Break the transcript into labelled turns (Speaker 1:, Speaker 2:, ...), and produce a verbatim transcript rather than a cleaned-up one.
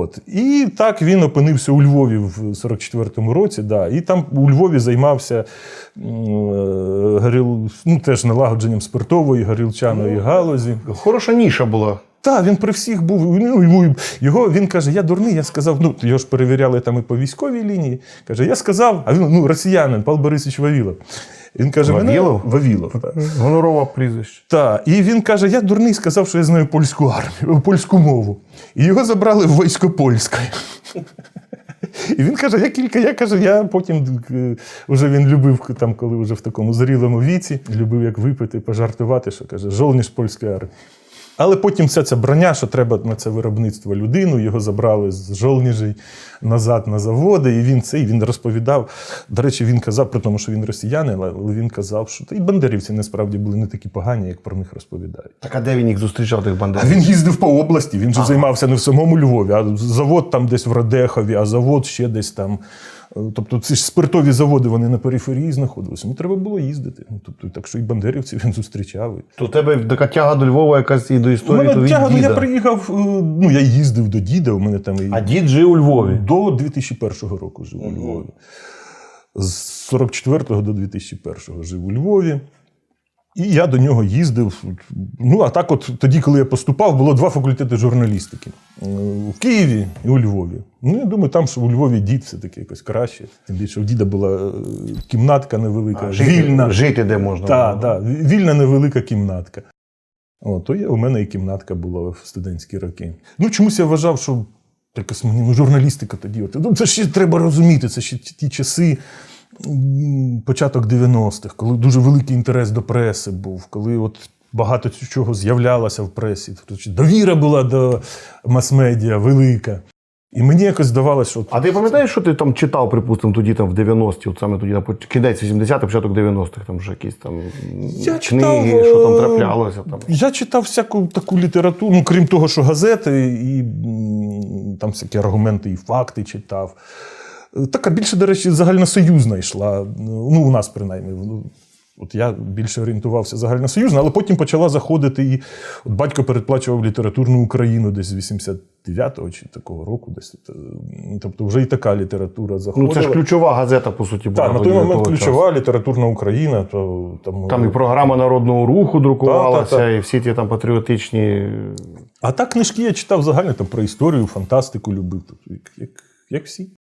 Speaker 1: От. І так він опинився у Львові в сорок четвертому році. Да. І там у Львові займався е, горіл, ну, теж налагодженням спиртової, горілчаної галузі.
Speaker 2: Хороша ніша була.
Speaker 1: Так, він при всіх був. Ну, йому, його, він каже, я дурний, я сказав, ну, його ж перевіряли там і по військовій лінії. Каже, я сказав, а він, ну, росіянин, Павло Борисович Вавілов. Він каже,
Speaker 2: Вавілов?
Speaker 1: Мене... Вавілов, так.
Speaker 2: Гонорове прізвище.
Speaker 1: Так, і він каже, я дурний сказав, що я знаю польську армію, польську мову. І його забрали в військо польське. І він каже, я кілька, я каже, я потім, вже він любив, там, коли вже в такому зрілому віці, любив як випити, пожартувати, що каже, жолніж польської армії. Але потім вся ця броня, що треба на це виробництво людину, його забрали з жолніжей назад на заводи, і він це, і він розповідав. До речі, він казав, при тому, що він росіянин, але він казав, що та і бандерівці насправді були не такі погані, як про них розповідають.
Speaker 2: Так а де він їх зустрічав, тих бандерів?
Speaker 1: А він їздив по області, він же ага. займався не в самому Львові, а завод там десь в Радехові, а завод ще десь там. Тобто ці ж спиртові заводи, вони на периферії знаходилися. Ну, треба було їздити. Тобто, так що і бандерівців він зустрічав.
Speaker 2: То у тебе така тяга до Львова якась і до історії,
Speaker 1: у мене
Speaker 2: то від
Speaker 1: тяга,
Speaker 2: діда.
Speaker 1: Я приїхав, ну, я їздив до діда, у мене там...
Speaker 2: А дід жив у Львові?
Speaker 1: До дві тисячі першого року жив у Львові. З сорок четвертого до дві тисячі першого жив у Львові. І я до нього їздив. Ну, а так от тоді, коли я поступав, було два факультети журналістики. У Києві і у Львові. Ну, я думаю, там, що у Львові дід все-таки якось краще. Тим більше, у діда була кімнатка невелика,
Speaker 2: а, жити,
Speaker 1: вільна.
Speaker 2: Жити де можна.
Speaker 1: Так, так, вільна невелика кімнатка. О, то є, у мене і кімнатка була в студентські роки. Ну, чомусь я вважав, що якось мені, ну, журналістика тоді. От, ну, це ще треба розуміти, це ще ті часи, початок дев'яностих, коли дуже великий інтерес до преси був, коли от багато чого з'являлося в пресі. Довіра була до мас-медіа велика. І мені якось здавалося, що...
Speaker 2: А ти пам'ятаєш, що ти там читав, припустимо, тоді там в дев'яності, от саме тоді, на кінець вісімдесятих, початок дев'яностих, там вже якісь там
Speaker 1: я
Speaker 2: книги,
Speaker 1: читав,
Speaker 2: що там траплялося? Там.
Speaker 1: Я читав всяку таку літературу, ну, крім того, що газети, і там всякі аргументи і факти читав. Така більше, до речі, загальносоюзна йшла, ну, у нас принаймні. От я більше орієнтувався загальносоюзно, але потім почала заходити і от батько передплачував літературну Україну десь з вісімдесят дев'ятого чи такого року. Десь. Тобто вже і така література заходила.
Speaker 2: Ну це ж ключова газета, по суті, була.
Speaker 1: Так, на той момент ключова часу. Літературна Україна. То, там,
Speaker 2: там і програма Народного руху друкувалася,
Speaker 1: та, та, та.
Speaker 2: і всі ті там патріотичні...
Speaker 1: А так книжки я читав загально там, про історію, фантастику любив, як, як, як всі.